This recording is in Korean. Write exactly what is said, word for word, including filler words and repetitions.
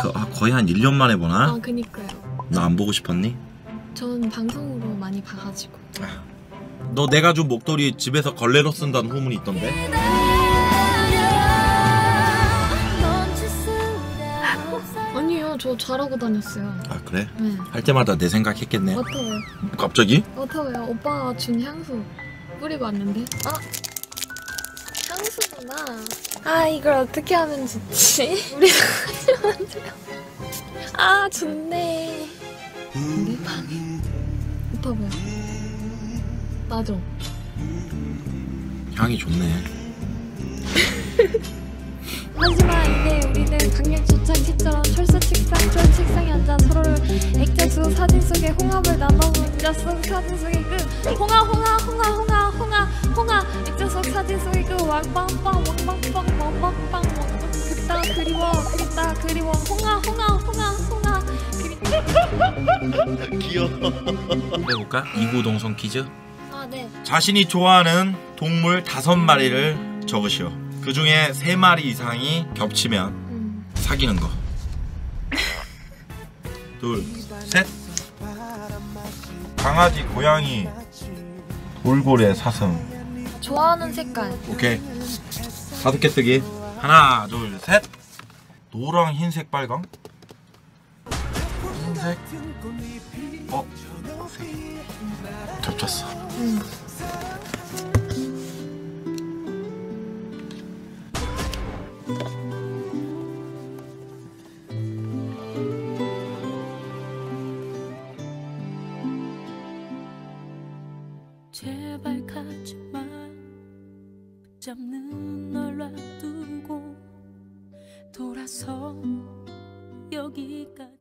그, 아, 거의 한 일 년 만에 보나? 아 그니까요. 나 안 보고 싶었니? 전 방송으로 많이 봐가지고. 너 내가 준 목도리 집에서 걸레로 쓴다는 후문이 있던데? 아니요, 저 잘하고 다녔어요. 아 그래? 네. 할 때마다 내 생각했겠네. 어떠해요? 갑자기? 어떠해요? 오빠가 준 향수 뿌리고 왔는데? 아! 향수구나. 아, 이걸 어떻게 하면 좋지? 우리가 하지만 아, 좋네. 근데? 오빠 뭐야? 나죠? 향이 좋네. 하지만 이제 우리는 강력 초창기처럼 철새 책상, 철 책상에 앉아 서로를 액자수 사진 속에 홍합을 나눠본 액자 속 사진 속에 그 홍아 홍아 홍아 홍아 홍아 홍아 액자 속 사진 속에 그 왕빵빵 왕빵빵 왕빵빵 왕빵 그따 그리워 그리다 그리워 홍아 홍아 홍아 홍아 그리 귀여워. 해볼까? 이구동성 퀴즈. 아 네. 자신이 좋아하는 동물 다섯 마리를 적으시오. 그 중에 세 마리 이상이 겹치면 음. 사귀는 거. 둘, 셋. 강아지, 고양이, 돌고래, 사슴. 좋아하는 색깔. 오케이. 다섯 개 쓰기. 하나, 둘, 셋. 노랑, 흰색, 빨강. 흰색. 어? 겹쳤어. 음. 제발 가지마 붙잡는 널 놔두고 돌아서 여기까지